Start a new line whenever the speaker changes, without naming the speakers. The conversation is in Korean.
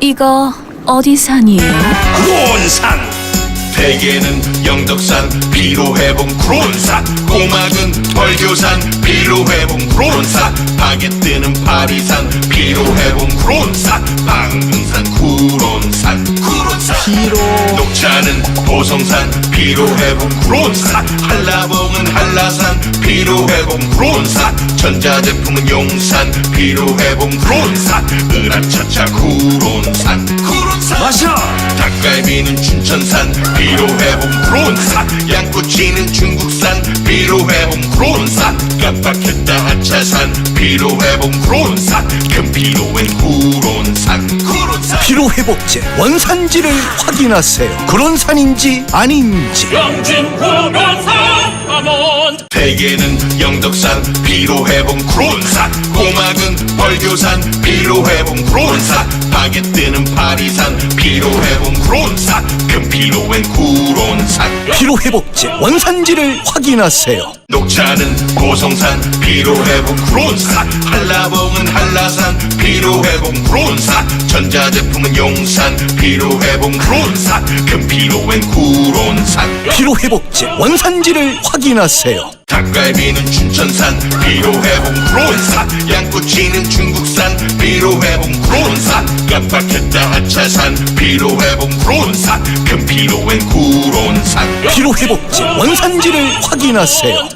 이거 어디 산이에요?
크론산. 대게는 영덕산 피로회복 크론산. 꼬막은 벌교산 피로회복 크론산. 바게트는 파리산 피로회복 크론산. 방금산 구론산 피로. 녹차는 보성산 피로회복 크론산. 한라봉은 한라산 피로회복 크론산. 전자제품은 용산 피로회복 크론산. 으라차차 구론산 마셔. 닭갈비는 춘천산 피로회복 크론산. 양꼬치는 중국산 피로회복 크론산. 깜빡했다 하차산 피로회복 크론산. 금피로엔 구론산
피로회복제 원산지를 확인하세요. 그론산인지 아닌지.
영진 구론산 하몬.
대게는 영덕산 피로회복 크론산. 꼬막은 벌교산 피로회복 크론산. 바게트는 파리산 피로회복 크론산. 금피로엔 구론산
피로회복제 원산지를 확인하세요.
녹차는 보성산 피로회복 크론산. 한라봉은 한라산 피로회복 크론산. 전자제품은 용산 피로회복 크론산. 금피로엔 구론산
피로회복제 원산지를 확인하세요.
닭갈비는 춘천산 피로회복 크론산. 양꼬치는 중국산 피로회복 크론산. 깜빡했다 하차산 피로회복 크론산. 금피로엔 구론산
피로회복제 원산지를 확인하세요.